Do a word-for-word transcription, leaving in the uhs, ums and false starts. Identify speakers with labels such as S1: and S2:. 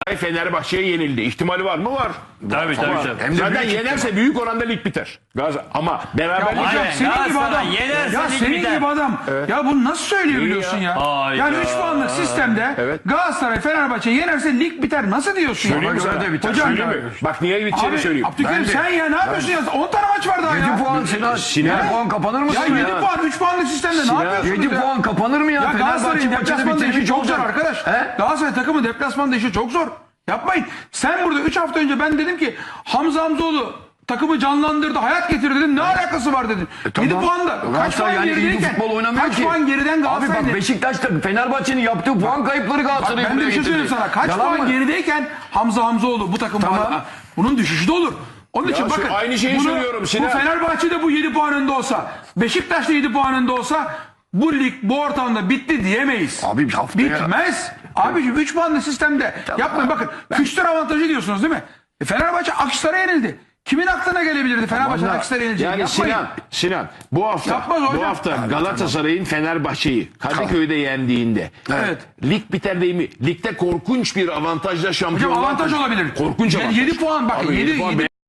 S1: Fenerbahçe'ye yenildi. İhtimali var mı? Var.
S2: Tabii tabii. tabii.
S3: Hem de
S1: Zaten
S3: büyük
S1: yenerse büyük oranda lig biter. Gaz ama beraberlik
S2: Ya,
S1: yok.
S2: hayır.
S4: Senin gibi
S2: Galatasaray
S4: adam.
S2: yenerse
S4: Ya
S2: lig
S4: senin
S2: biter.
S4: gibi adam. Ya bunu nasıl söyleyebiliyorsun ya?
S2: Hayda.
S4: Yani üç puanlık sistemde
S1: Evet.
S4: Galatasaray Fenerbahçe yenerse lig biter. Nasıl diyorsun ya?
S1: Söyleyeyim mi
S3: Bana
S1: sana?
S3: göre de biter.
S4: Hocam
S1: Söyleyeyim
S4: ya.
S1: mi? Bak niye biteceğini
S4: Abi
S1: söyleyeyim.
S4: Abdülkerim
S3: Ben de-
S4: sen ya ne yapıyorsun ya? on tane maç var daha ya.
S3: yedi puan Sinan.
S1: Sinan.
S3: yedi puan kapanır mı?
S4: Ya
S3: Sinan?
S4: yedi puan üç puanlık sistemde ne yapıyorsunuz
S3: yedi
S4: ya?
S3: puan kapanır mı ya?
S4: Ya Galatasaray'ın
S3: Fenerbahçe maçını
S4: deplasmanda işi
S3: bitirmiş
S4: çok zor
S3: olacak.
S4: arkadaş.
S3: He?
S4: Galatasaray takımı deplasmanda işi çok zor. Yapmayın. Sen burada üç hafta önce ben dedim ki Hamza Hamzoğlu takımı canlandırdı, hayat getirdi dedim. Ne alakası var dedim. yedi
S3: Tamam.
S4: puanda. Kaç
S3: Galatasaray
S4: puan
S3: yani iyi bir
S4: gerideyken?
S3: futbol oynamıyor
S4: Kaç
S3: ki.
S4: puan geriden
S3: Abi
S4: Galatasaray'ın?
S3: bak Beşiktaş'ta Fenerbahçe'nin yaptığı puan kayıpları
S4: Bak
S3: Galatasaray'ı
S4: ben de
S3: buraya
S4: bir şey söyleyeyim
S3: getirdi.
S4: sana. Kaç
S3: Yalan
S4: puan
S3: mı?
S4: gerideyken Hamza Hamzoğlu bu takım
S3: Tamam.
S4: bana- bunun düşüşü de olur. Onun için
S1: şu
S4: bakın.
S1: aynı şeyi
S4: bunu-
S1: söylüyorum Sinan.
S4: Bu Fenerbahçe'de bu yedi puan önde olsa, Beşiktaş'ta yedi puan önde olsa bu lig bu ortamda bitti diyemeyiz.
S3: Abi bir haftaya-
S4: Bitmez. Abiciğim üç puanlı sistemde yapmayın bakın. Fikstür avantajı diyorsunuz değil mi? E, Fenerbahçe Akhisar'a yenildi. Kimin aklına gelebilirdi Fenerbahçe'nin Akhisar'a yenileceğini?
S1: Yani
S4: Yapmayın.
S1: Sinan, Sinan bu hafta
S4: Yapmaz hocam.
S1: bu hafta Galatasaray'ın Fenerbahçe'yi Kadıköy'de yendiğinde
S4: Evet.
S1: lig biter değil mi? Ligde korkunç bir avantajla şampiyon
S4: Hocam avantaj olabilir.
S1: Korkunç avantaj.
S4: yedi puan bakın.
S1: Abi, yedi
S4: yedi
S1: puan
S4: yedi